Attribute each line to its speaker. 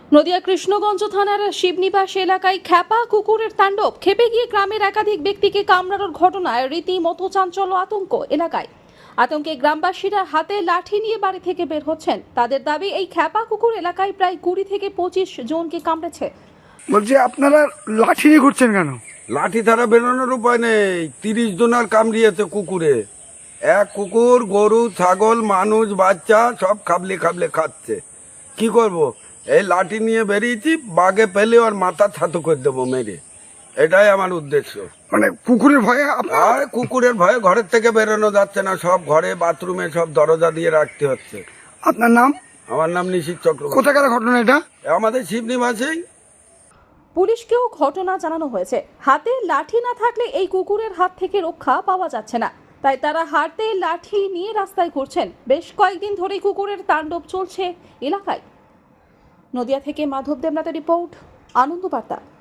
Speaker 1: নদিয়া কৃষ্ণগঞ্জ থানার শিবনিবাস এলাকায় খ্যাপা কুকুরের তাণ্ডব। খেপে গিয়ে গ্রামের একাধিক ব্যক্তিকে কামড়ানোর ঘটনায় রীতিমতো চাঞ্চল্য আতঙ্ক এলাকায়। আতঙ্কে গ্রামবাসীরা হাতে লাঠি নিয়ে বাড়ি থেকে বের হচ্ছেন। তাদের দাবি, এই খ্যাপা কুকুর এলাকায় প্রায় 20 থেকে 25 জনকে কামড়েছে।
Speaker 2: বলছি আপনারা লাঠি নিয়ে ঘুরছেন কেন?
Speaker 3: লাঠি ছাড়া বেরোনোর উপায় নেই। 30 জনের কামড়িয়েছে কুকুরে। এক কুকুর গরু ছাগল মানুষ বাচ্চা সব খাবলে খাবলে খাচ্ছে। কি করব? এই লাঠি নিয়ে বেরিয়েছি, বাঘে পেলে ওর মাথা ছাতু করে দেবো মেরে। এটাই আমার উদ্দেশ্য।
Speaker 2: মানে কুকুরের ভয়ে
Speaker 3: আর কুকুরের ভয়ে ঘরের থেকে বেরোনো যাচ্ছে না, সব ঘরে বাথরুমে সব দরজা দিয়ে রাখতে হচ্ছে।
Speaker 2: আপনার নাম?
Speaker 3: আমার নাম নিশিত চক্রবর্তী।
Speaker 2: কোথাকার ঘটনা এটা?
Speaker 3: আমাদের শিবনিবাসেই।
Speaker 1: পুলিশকেও ঘটনা জানানো হয়েছে। হাতে লাঠি না থাকলে এই কুকুরের হাত থেকে রক্ষা পাওয়া যাচ্ছে না, তাই তারা হাতে লাঠি নিয়ে রাস্তায় ঘুরছেন। বেশ কয়েকদিন ধরেই কুকুরের তাণ্ডব চলছে এলাকায়। নদিয়া থেকে মাধব দেবনাথের রিপোর্ট, আনন্দ বার্তা।